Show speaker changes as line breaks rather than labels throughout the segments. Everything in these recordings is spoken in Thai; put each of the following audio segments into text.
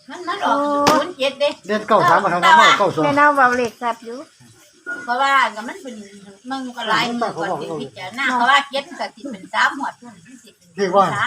มันออก07เด้
เดือน93มาทำมา92
แม่เน่าเบาเหล็กสับอยู่
เพราะว่าก็มันเป็นมันก็หลายก่อนที่พิจารณาเพราะว่า7ก็สิเป็น3หัวทุ่นสิเป็น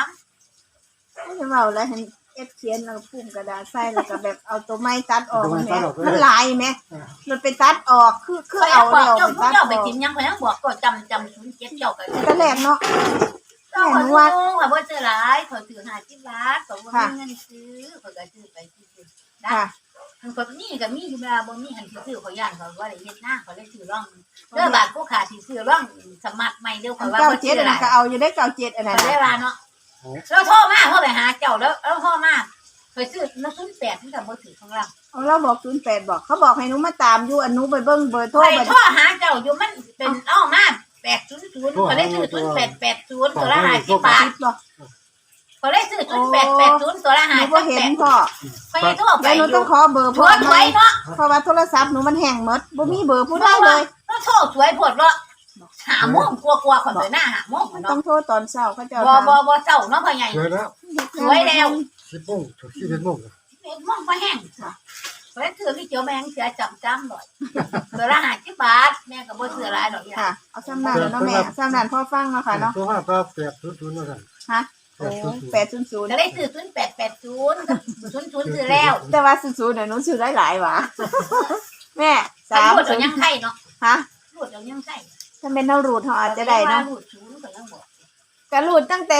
3
ไม่เบาแล้วเห็นเอฟเขียนแล้วพุ่มกระดาษใส่แล้วก็แบบเอาตัวไม้ตัดออกแม่มันลายแม่มันไปตัดออกคือเอาเดียวไปตัดออก
ไปกินยังเขาบอกก็จำ07เจ้า
ก็แรกเนาะ
แม่นว่าว่าบ่ซื้อหลายเขาซื้อ50บาทเขาบ่มีเงินซื้อเขาก็ซื้อไปซื้อได้มันก็นี่ก็มีอยู่เวลาบ่มีหันซื้อเขาย่านเขาว่าได้เฮ็ดหน้าเขาได้ซื้อร่องเด้อบาทผู้ขาสิซื้อร่องสมัครใหม่เด้อเขาว่าบ่ซื้อหลาย
ก็เอาอยู่ได้97อันนั้น
ได้ว่าเนาะเราโทรมาเฮาไปหาเจ้าแล้วโทรมาไปซื้อน้ำ08นี่ก็บ่ถือของเรา
เราบอก08บอกเขาบอกให้หนูมาตามอยู่อันหนูไปเบิ่งเบอร์โทร
ไปโทรหาเจ้าอยู่มันเป็นอ้อมา800ก็ได้ซื้อ0880ตัวละ50บาทเขาได้ซื้อ0880ตัวละ50
หนูบ่เห็นพ่อ
ไปโทรไป
หนูต้องขอเบอร์พ่อไว้เนาะเพราะว่าโทรศัพท์หนูมันแห้งหมดบ่มีเบอร์ผู้ใดเลย
ต้องโทรสวยโพดเนาะ5 โมงกว่าๆคนไปหน้า5 โมงเนาะ
ต้องโทรตอนเช้าเขาจะ
บ่เช้าเนาะพ่อใหญ่สวยแล้ว
10 โมงถึง11 โมง
11 โมงบ่แห้งเพราะฉะนั้นคือพี่เจ้าแม่งเสียจำหน่อยตัวละ50 บาทแม่ก็บ่ซื้อหลายดอก
ค่ะเอาซ้ำนั่นแล้วเนาะแม่ซ้ำนั่นพ่อฟังเนาะค่ะเนาะ
ตัวว่า800ว่าซั่น
ฮะ800
ก็ได้ซื้อ0880กับ00ซื้อแล้ว
แต่ว่า00น่ะหนูซื้อหลายๆหว่าแม่
3รูดเอายังไข่เนาะ
ฮะ
รูดเอายังไข่
ถ้าเป็นเรารูดเฮาอาจจะได้เนาะ
รูด0ก็ยังบอก
ก็รูดตั้งแต่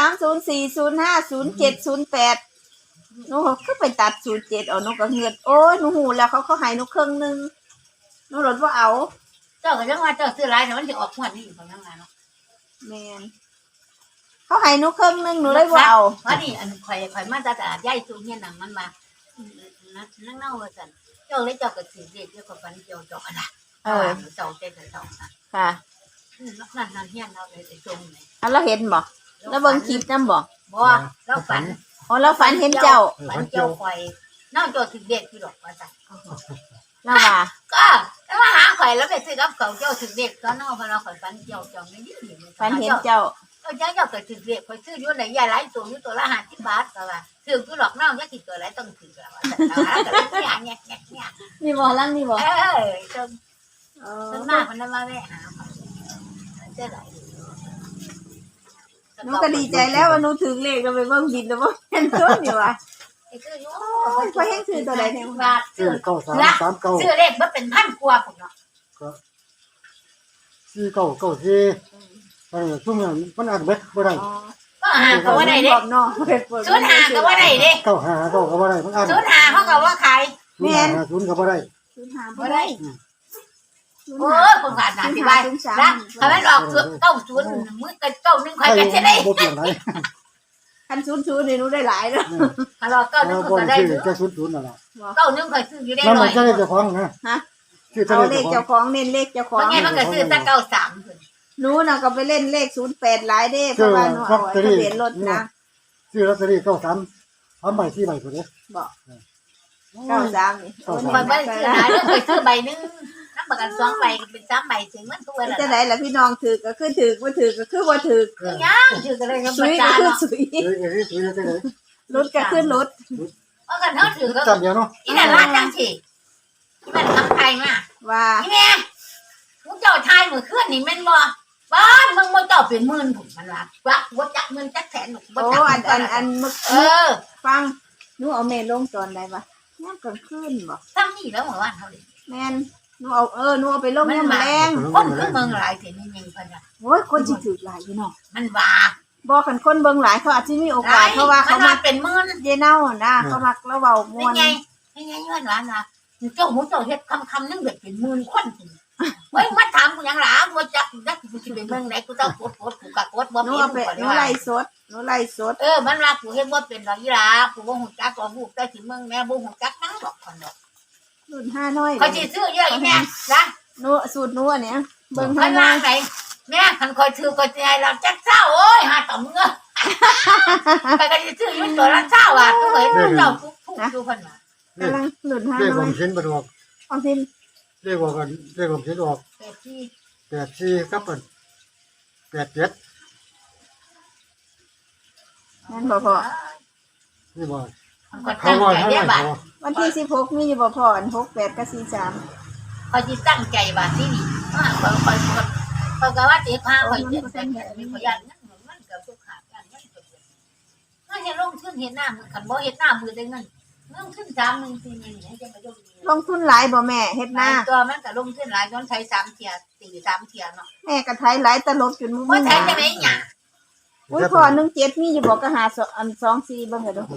03 04 05 07 08หนูก็ไปตัด07เอาหนูก็เงือดโอ้ยหนูหูแล้วเขาให้หนูครึ่งนึงหนูลดบ่เอา
เจ้าก็ยังว่าเจ้าซื้อหลายแต่มันสิออกงวดนี้เขายังว่าเนาะ
แม่นเขาให้หนูครึ่งนึงหนูเลยบ่เอา
ว่านี่อันข่อยมาจากตลาดใหญ่ตู้เฮียนนั่งมันมานั่งเน่าว่าซั่นเจ้าเลยเจ้าก็สิเรียกเจ้าก็ฝันเจ้าอะนะเจ้าเจ้า
ค่ะ
นั่นเฮียนเราเลยไอ้จงนี่
เราเห็นบ่แล้วเบิ่งคลิปนำบ่
เราฝัน
อ๋อเราฝันเห็นเจ้า
ฝันเจ้าข่อยน้องเจ้าสิเด็ดอยู่ดอกว่าซั่น
เราว่า
ก็แล้วมาหาข่อยแล้วไปซื้อกับเขาเจ้าสิเด็ดก็น้องเพราะเราข่อยฝันเจ้าไม่ดี
ฝันเห็นเจ้า
เจ้าก็สิเด็ดข่อยซื้ออยู่ไหนใหญ่หลายตัวอยู่ตัวละ50 บาทก็ว่าซื้ออยู่ดอกน้องจักสิตัวหลายต้องถือแล้วว่าซั่นก็เนี่ย
นี่บ่ลังนี่บ่
จนมากมันมาแม่หาเจ้าไหน
หนูก็ดีใจแล้วว่าหนูถึงเลขก็ไปเบิ่งบินแล้วบ่เห็นตัวนี่ว่ะพอแห้งซื้อตัวใดแท้บาท
ซื้อ9339
ซื้อเลขบ่เป็นพันกว่าพุ่นเนาะ
4994ซุ่มมันอ่านเบิดบ่ได้
ก็หาก็ว่าได้เด้05ก็ว่าได้เด้
95ก็บ่ได้มันอ่าน
05เขาก็ว่าขาย
แม่น
0ก็บ่ได้
05บ่ได้
โอ้ยคนขาดหนาที่บ้านนะถ้ามันออก90มื้อกัน91ค่อยกันสิได้
บ่เปลี่ยนไหน
คัน00นี่หนูได้หลายเด้อ
ถ้าออก91ก็ได้
แค่00นั่นล่ะ
91ค่อยซื้ออยู่ได้100
มันจะได้เจ้าของนะ
ฮะเอาเลขเจ้าของเน้นเลขเจ้าของ
ไงมันก็ซื้อแต่93พุ่น
หนูน่ะก็ไปเล่นเลข08หลายเด้เพราะว่าหนูเอาทะเบียนรถนะ
ซื้อลอตเตอรี่93 3ใบ4ใบพุ่นเด้
บ่93นี่
มันบ่ซื้อหลายเด้อเคยซื้อใบนึงนำประกัน2ใบเป็น3ใบถึงมันตัวละ
จะได้ล่ะพี่น้องถือก็คือถือบ่ถือก็คือบ่ถือ
ยังถือก็เลยก็บ่จ่ายเนาะ
รถก็คือรถ
เพราะกันเฮาถือก็
จำเดียวเนาะ
อีนั่นลาดจังสิมันทำใครมา
ว่า
อีแม่มึงเจ้าชายมื้อคืนนี่แม่นบ่บ้านมึงบ่เจ้าเป็นหมื่นพุ่นมันว่าบ่จักหมื่นจักแสนบ่จัก
อันฟังหนูเอาเมลลงตอนใดวะยามกลางคืนบ่
ซ้ํนี่แล้วเมื่อวานเฮาดิ
แม่นหนูเอาไปลงยามแลง
คนคือเมืองหลายสินี่ยิงเพิ่นน่ะ
โอ้ยคนสิถูกหลายพี่น้อง
มันว่า
บ่คันคนเบิ่งหลายเขาอาจสิมีโอกาสเพราะว่าเขา
มาเป็นหมื่น
เยเน่านะเขามักแล้วเว้าม่วน
นี่ไงย้อนว่านะเจ้าหมูเจ้าเฮ็ดคำนึงแบบเป็นหมื่นคนเฮ้ยมาถามกูหยังล่ะบ่จักกูสิไปเมืองไหนกูต้องกดกูก็กดบ่มี
หนูไล่สด
มันว่ากูเฮ็ดบ่เป็นดอกอีหล่ะกูบ่ฮู้จักว่าฮู้แต่สิเมืองแม่บ่ฮู้จักนังดอกคนดอก
รุ่น5น้อย
เขาสิซื้อเยอะอีแม่นะ
หนูสูตรหนูอันเนี้ย
เบิ่ง5น้อยไหนแม่คันคอยถือก็สิให้เราจักเช้าโอ้ยหาต่อมึงเอ้อไปก็สิซื้ออยู่ตัวละเช้าอ่ะกูเห็นเจ้าทุกดูเพิ่นว่าก
ำลังรุ่น5น้อย
เลขผมเห็นบ่ดอก
เอาสิ
เลขว่ากันเลขผมเห็นออก84ครับเพิ่น87
นั่นบ่พอ
นี่บ่
ก็
เขา
ตั้ง
น้อย
ใจ
เขา
ได้
น้อย
บาท
วันที่16มีอยู่บ่พออัน68กับ43
เขาจะตั้งใจบาทที่นี่เขาก็ว่าเจ๊ข้าวไปเจ๊แต่มีพยานนั่นมันกับทุกขาอย่างนั้นถ้าจะลงทุนเห็นหน้ามือขันบ่เห็นหน้ามือได้เงินลงทุน3 1 4นี่ให้จะมาลง
ลงทุนหลายบ่แม่เฮ็ดหน้า
ตัวมันก็ลงทุนหลายย้อนใช้3เที่ย4 3เที่ยเนาะ
แม่ก็ไถหลายตลบจนบ่
บ่
มี
ใช้จะได้หยัง
อุ้ยพอ17มีอยู่บ่ก็หาอัน24เบิ่งให้ดู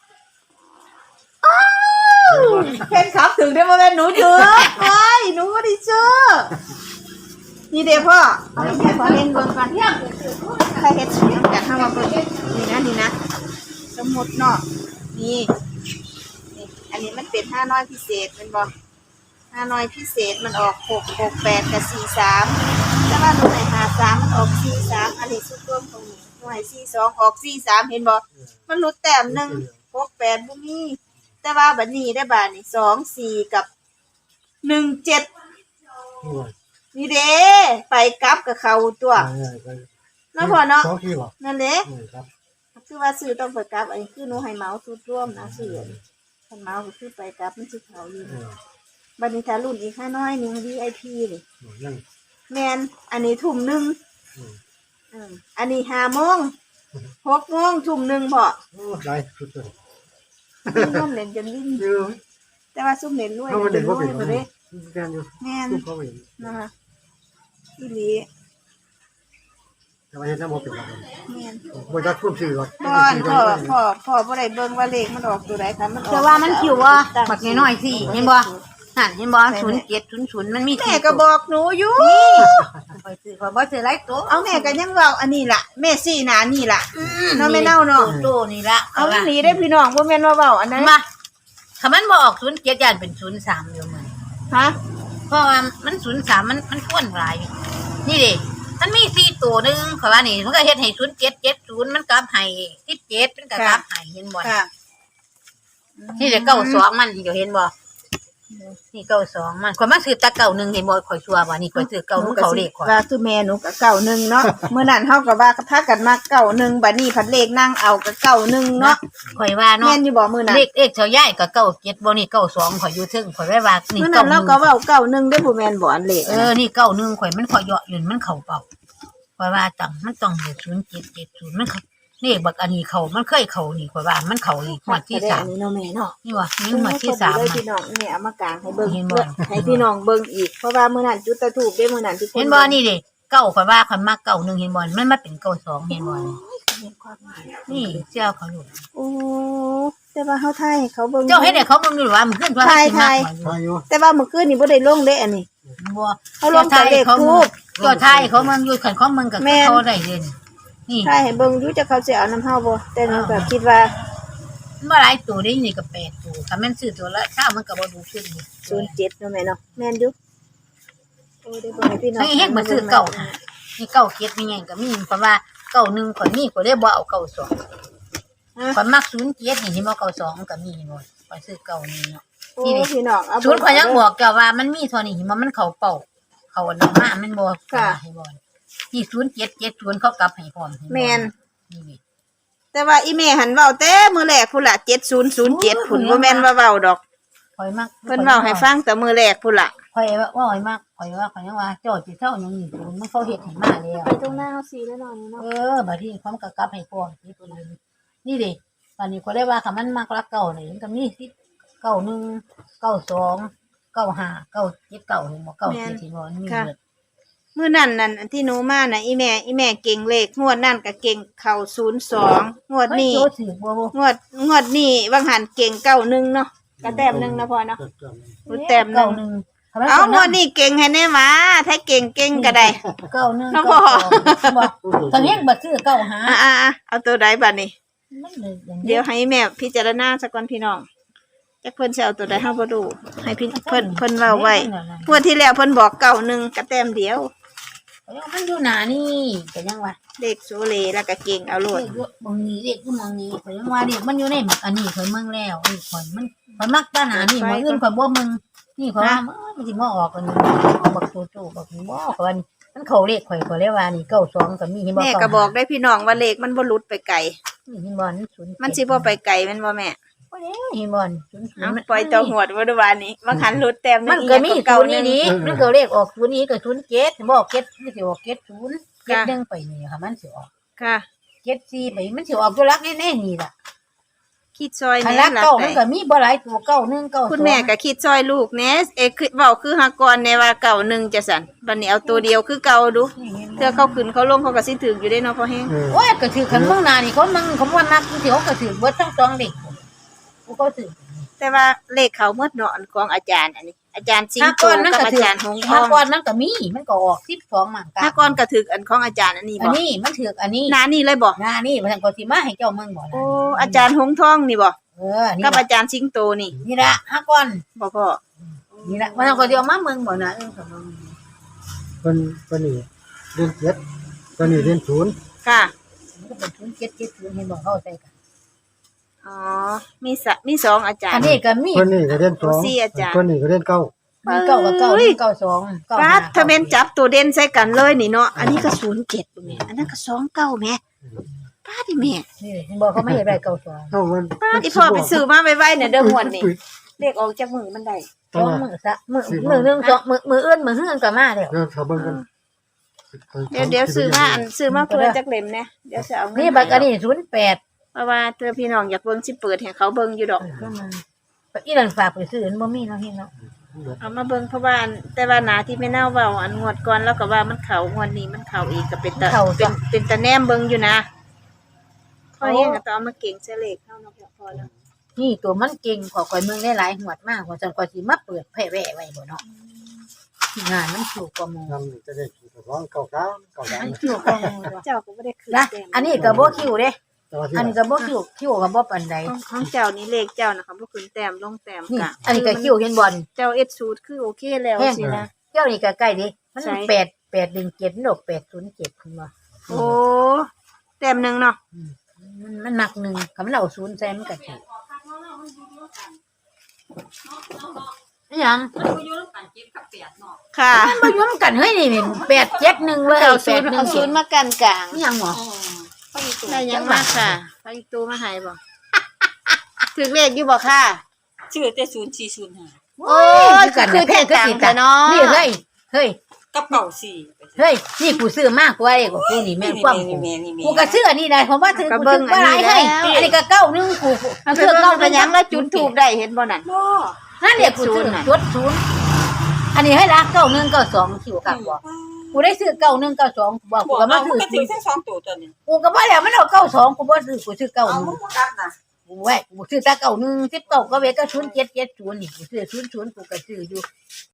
เพิ่นขับถึงได้บ่แม่นหนูเด้อโอ้ยหนูบ่ได้ซื้อนี่เด้พ่อเอาไปให้พ่อเล่นเบิ่งก่อนถ้าเฮ็ดเสียงกันเฮามาเบิ่งนี่นะสมมุติเนาะนี่อันนี้มันเป็น5น้อยพิเศษแม่นบ่5น้อยพิเศษมันออก6 6 8กับ43แต่ว่าหนูให้53มันออก43อันนี้สุดรวมตรงนี้หนูให้42ออก43เห็นบ่มันลดแต้มนึง68บ่มีแต่ว่าบัดนี้ได้บาดนี่24กับ17นี่เด้ไปกลับกับเขาตัวเนาะพ่อเนาะ
2ทีบ่
นั่นแหละ
ครับ
คือว่าซื้อต้องไปกลับอันนี้คือหนูให้เหมาสุดร่วมนะซื้อคันเหมาก็คือไปกลับมันสิเขาอยู่บัดนี้ถ้ารุ่นอีก5น้อยนึง VIP นี่
ยัง
แม่นอันนี้ทุ่มหนึงอันนี้5 โมง6 โมงทุ่มหนึงพอ
โอ้หลายสุดเลย
ร่วมเล่นจนลิ้น
เยอะ
แต่ว่าซุ่มเล่นรวย
เขามาเด่นว่าเป็น
บ่เด้
แกนอยู่
แม่น
ลูกเขาเห็น
นะคะอีหลี
แต่ว่าเห็นน้ำมันเป็นอะไร
แม่น
บ่ได้ควบสื่อหรอก
บ่อนพ่อบ่ได้เบิ่งว่าเลขมันออกตัวใดค่ะมันออก
แต่ว่ามันคิวว่าบักน้อยๆสิเห็นบ่นั่นเห็นบ่0700มันมี
แม่ก็บอกหนูอยู่
ข่อยซื้อข่อยบ่ซื้อหลายตัว
เอาแม่ก็ยังเว้าอันนี้ล่ะแม่ซี่หน้านี่ล่ะเนาะแม่เน่าเนาะ
โตนี่ละ
เอาอีหลีได้พี่น้องบ่แม่นว่าเว้าอันนั้น
มาถ้ามันบ่ออก07ย่านเป็น03อยู่มื้อ
ฮะ
เพราะว่ามัน03มันควรหลายนี่เด้มันมี4ตัวนึงข่อยว่านี่มันก็เฮ็ดให้0770มันกลับให้17มันก็กลับให้เห็นบ่
ค่ะ
นี่เด้92มันเดี๋ยวเห็นบ่นี่92มันข่อยมาซื้อตะ91เห็นบ่ข่อยชัวร์ว่านี่ข่อยซื้อ91เขาเลขข่อย
ว่าคือแม่หนูก็91เนาะมื้อนั้นเฮาก็ว่าพากันมา91บัดนี้พัดเลขนั่งเอาก็91เนาะ
ข่อยว่าเนาะ
แม่นอยู่บ่มื้อนั้น
เลขเจ้าใหญ่ก็97บ่นี่92ข่อยอยู่ถึงข่อยไว้ว่านี่
มื้อนั้นเราก็เว้า91ได้บ่แม่นบ่อันเลข
นี่91ข่อยมันข่อยเหยาะอยู่มันเข้าเป้าข่อยว่าจังมันต้องอยู่0770มันเลขบักอันนี้เข้ามันเคยเข้านี่ข่อยว่ามันเข้าอีกงวดที่
อันนี้เนาะแม่เนาะ
3นี่ว่านี่งวดที่3
เลย
มา
พี่น้องนี่เอามากางให้เบิ่ง
เห็นบ่
ให้พี่น้องเบิ่งอีกเพราะว่ามื้อนั้นจุดตะทูบได้มื้อนั้นที่
เห็นบ่นี่เด้เก้าข่อยว่าข่อยมัก91เห็นบ่มันมาเป็น92เห็นบ่นี่เจ้าเขาอยู่
โอ้แต่ว่าเฮาถ่ายให้เขาเบิ่ง
เจ้าเฮ็ดให้เขาเบิ่งอยู่ว่ามันขึ้นว่าสิมัก
พายุ
แต่ว่าเมื่อคืนนี่บ่ได้ลงเด้อันนี้
บ่
เขาลงแต่เลขทูป
ก็ทายเขาเบิ่งอยู่คันเขาเบิ่งก็เขาได้เด่นนี่
ถ่ายให้เบิ่งอยู่จะเขาสิเอาน้ำเฮาบ่แต่หนูก็คิดว่า
บ่หลายตัวได้นี่ก็8ตัวถ้ามันซื้อตัวละเช้ามันก็บ่ดูขึ้น
07เนาะแม่เนาะแม่นอยู่โอ้ได้เบิ่งให้พี่น้อง
ให้เฮ็ดบ่ซื้อเก่านี่เก่าเก็ดมีหยังก็มีเพราะว่าเก่า1ข่อยมีข่อยได้บ่เอาเก่า2ข่อยมัก07นี่เห็นบ่เก่า2ก็มีบ่ข่อยซื้อเก่านี่เนาะ
โอ้พี่น้องเอา
ศูนย์ข่อยยังบอกเจ้าว่ามันมีเท่านี้มันเข้าเป้าเข้าอันนั้นมามันบ่ให้บ่ที่0770เขากลับให้พร้อม
แม่น
นี่
แต่ว่าอีแม่หันเว้าแต่มื้อแรกพุ่นล่ะ7007พุ่นบ่แม่นว่าเว้าดอก
ข่อยมัก
เพิ่นเว้าให้ฟังแต่มื้อแรกพุ่นล่ะ
ข่อยว่าข่อยมักข่อยว่าข่อยยังว่าเจ้าสิเท่าหยังนี่มันเขาเฮ็ดให้มาแล้ว
ไปตรงหน้าเฮาสิแล้วเนาะนี่เนาะ
บัดนี้ความกลับให้พร้อมนี่ตัวนี้นี่เด้บัดนี้ข่อยได้ว่าคันมันมักรักเก่านี่มันก็มี10 91 92 95 97 9เห็นบ่97ที่บ่มันมีเบิด
มื้อนั้นนั่นอันที่หนูมาน่ะอีแม่เก่งเลขงวดนั่นก็เก่งเข้า02งวดนี้
โตถือบ่บ่
งวดนี้บางหันเก่ง91เนาะก็แต้มหนึงนะพ่อเนาะรู้แต้มหนึง
91
เอางวดนี้เก่งให้แน่หมาถ้าเก่งก็ได้
91
น้องพ่อ
บ่ตอนนี้บ่ซื้อ95
เอาตัวใดบัดนี้
มันเลยอย่าง
เดี๋ยวให้แม่พิจารณาซะก่อนพี่น้องจักเพิ่นสิเอาตัวใดเฮาบ่รู้ให้พี่เพิ่นเว้าไว้งวดที่แล้วเพิ่นบอก91ก็แต้มเดียว
มันอยู่หน้านี่ก็ยังว่า
เลขโซเลแล้วก็เก่งเอาโลด
เด็กบางนี้เด็กก็บางนี้ข่อยยังว่าเด็กมันอยู่ในอันนี้ข่อยเมืองแล้วนี่ข่อยมันข่อยมักตาหนานี่มื้ออื่นข่อยบ่มึงนี่ข่อยว่ามันสิมาออกกันบักโตบักบ่ข่อยว่ามันเข้าเลขข่อยก็เลยว่านี่92ก็มีเห็นบ่
แม่ก็บอกได้พี่น้องว่าเลขมันบ่หลุดไปไกล
นี่เห็นบ่นี่0
มันสิบ่ไปไกลแม่นบ่แม่
โบ่ได้เห็นบ่น
เอาปล่อยตัวหวดบ่ดูว่านี้มาขันรุดแต้ม
มันก็มี
เก่า
ศูนย์
นี่
นี่มันก็เลขออกศูนย์นี้ก็ศูนย์เจ็ดบอกเจ็ดมันสิออกเจ็ดศูนย์เจ็ดหนึ่งไปนี่ค่ะมันสิออก
ค่ะ
เจ็ดสี่ไปมันสิออกตัวลักแน่ๆนี่ล่ะ
คิดซอย
คัน
แหน่
ลัก
หลัก
เก้า
ไหน
มันก็มีบ่หลายตัวเก้าหนึ่งเก้าสอง
คุณแม่ก็คิดซอยลูกแหน่คือเว้าคือหากรในว่าเก่าหนึ่งจะสั่นบัดนี้เอาตัวเดียวคือเก่าดูเทื่อเขาขึ้นเขาลงเขาก็สิถึกอยู่ได้เนาะพ่อแฮง
โอ้ยก็ถือขันเมืองนานี่เขามันเขาว่านักที่เขาก็ถือเบิดทั้งสองเด็กกูก็ถือ
แต่ว่าเลขเขาหมดเนาะอันของอาจารย์อันนี้ อาจารย์สิง
ห้า
โต
ก้อนมัน
กับ
ก็
อา
ถือ
จารย์หงท
ห้า
อง
ก้อนมันก็มีมันก็ออก12หมั่งกา
ถ้าก้อนก็ถึกอันของอาจารย์อันนี้
อั
บ่
นนี้มันถืออันนี้
หน้านี่เลยบ่
งานนี่มันก็สิมาให้เจ้าเมืองบ่
โอ้อาจารย์หงทองนี่บ่
นี่
กับอาจารย์สิงโตนี่
นี่ละห้าก้อน
บ่พ่อ
นี่ละมันก็เดียวมาเมืองบ่นะของมึง
เป็นนี่เรียนเจ็ดเป็นนี่เรียนศูนย์
ค่ะ
มันก็เป็น0770เห็นบ่เข้าใจกัน
อ๋อมีสองอาจาร
อัน
ย์
นี้ก็มี
เป็นนี่ก็เรียนสอง
สี่อาจารย์
เป็นนี่ก็เรียนเก้า
มีเก้ากับเก้ามีเก้าสองเก้า
ป้า
ห้า
ถ้าแม่นจับตัวเด่นใส่กันเลยนี่เนาะอันนี้ก็07แม่อันนั้นก็29แม่ป้าดิแม่
นี่เห็นบ่เขาไม่อยากได้เก้าสอง
เท่ามัน
ป้าอีพ่อไปซื้อมาไว้ๆเนี่ยเด้อหวดนี่เลขออกจากมือมันได้
สองมือซะมือหนึงสองมืออื่นมือเฮือนก็มาแล้ว
เรื่องชาวบ้านกัน
เดี๋ยวซื้อมาเพื่อจักเล่มเนี่ยเดี๋ยวจะเอาเงิ
นี่บักอันนี้08
เพราะว่าเธอพี่น้องอยากเบิ่งสิเปิดให้เขาเบิ่งอยู่ดอก
ก็มาอีนั่นฝากไปซื้อมันบ่มีเนาะเฮ็ดเนาะ
เอามาเบิ่งเพราะว่าแต่ว่าหนาที่ไม่เน่าเว้าอันงวดก่อนแล้วก็ว่ามันเข้างวดนี้มันเข้าอีกก็เป็นตาเป็นตาแนมเบิ่งอยู่นะพอเองก็ต้องเอามาเก่งเสเลขเฮาเนาะพอแล้ว
นี่ตัวมันเก่งขอข่อยเมืองได้หลายหวดมากกว่าจังกว่าสิมาเปิดแผ่แว่ไว้บ่เนาะงานมันถูกกว่าหมู่
นำจะได้ถูกร้องเก้าสามเก้าสาม
มันถูกกว่าหมู่เนาะ
เจ้าก็บ่ได้คืน
นะ
แต้ม
อันนี้ก็บ่คิวเด้
แต่ว่าที่
อันนี้ก็บ่คิวก็บ่ปานใด
ของเจ้านี่เลขเจ้านะคะบ่คืนแต้มลงแต้ม
นี่
กะ
อันนี้ก็คิวเห็นบ่น
เจ้าเอ็ดสูตรคือโอเคแล้วสินะ
เจ้านี่ก็ใกล้ดิมัน
ใช่
817ดอก807ขึ้นมา
โอ้แต้มหนึงเนาะ
มันหนักหนึงคำมันเอา0ใส่มันก็ถูกอิหยัง
ค่ะ
มันบ่อยู่นำกันเฮ้ยนี่871เลย
เอาศูนย์มากันกลาง
อิหยังหมอ
ได้ยังมากค่ะไปอีกตู้มาให้บ่ถึกเลขอยู่บ่ค่ะ
ชื่อแต่0405
โอ้ยคือแท้จังแต่เนาะ
นี่เฮ้ย
กับเก่าสี่
เฮ้ยนี่กูซื้อมากกว่าไอ้กูนี่แม่นความกู กูก็ซื้ออันนี้ได้ผมว่าถือกูซื้อว่าหลายให้อันนี้ก็เก้านึงกู
เอาไป
ซื้อ
เบิ่
เก้าง
ไปยังแล้วจุดทูบได้เห็นบ่นั่น
บ่
นั่นเดี๋ยวกูซื้อจุดศูนย์อันนี้ให้ละเก้านึงเก้าสองคิวกับบอกกูได้ซื้อเก้านึงเก้าสองกูบอกกู
บอก
ก็มา
เอา
ซื้อ
ก็ถึงแค่2ตัวตัวนี้
กูก็บ่แล้วมันเอาเก้าสองกูบ่ซื้อกูซื้อเก้า
เอา
นึง
มึงบ่กลับน่ะ
กูแหวะกูซื้อแต่เก้านึง19ก็เวก็0970นี่กูซื้อ00กูก็ซื้ออยู่